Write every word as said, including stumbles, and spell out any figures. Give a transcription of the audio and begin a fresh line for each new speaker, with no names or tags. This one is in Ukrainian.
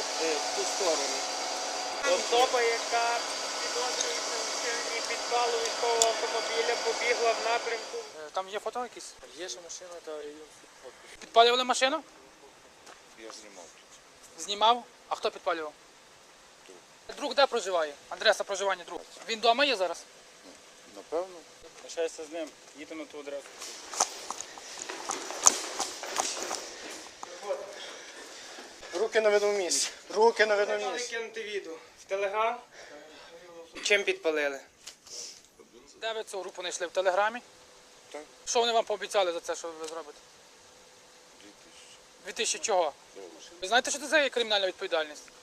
в ту сторону. Особа, яка підозрюється у вчиненні підпалу військового автомобіля, побігла в напрямку.
Там є фото якісь?
Є ще машина, та і фото.
Підпалювали машину?
Я знімав тут.
Знімав? А хто підпалював? Друг де проживає? Адреса проживання друга. Він вдома є зараз?
Напевно.
Прощайся з ним, їдьте на ту адресу.
Руки на видному місці. Руки на видному місці. Кинути відео. В Телеграм. Чим підпалили?
Де ви цю групу знайшли? В Телеграмі?
Так.
Що вони вам пообіцяли за це, що ви зробите?
Дві тисячі.
Дві тисячі чого? Ви знаєте, що це за є кримінальна відповідальність?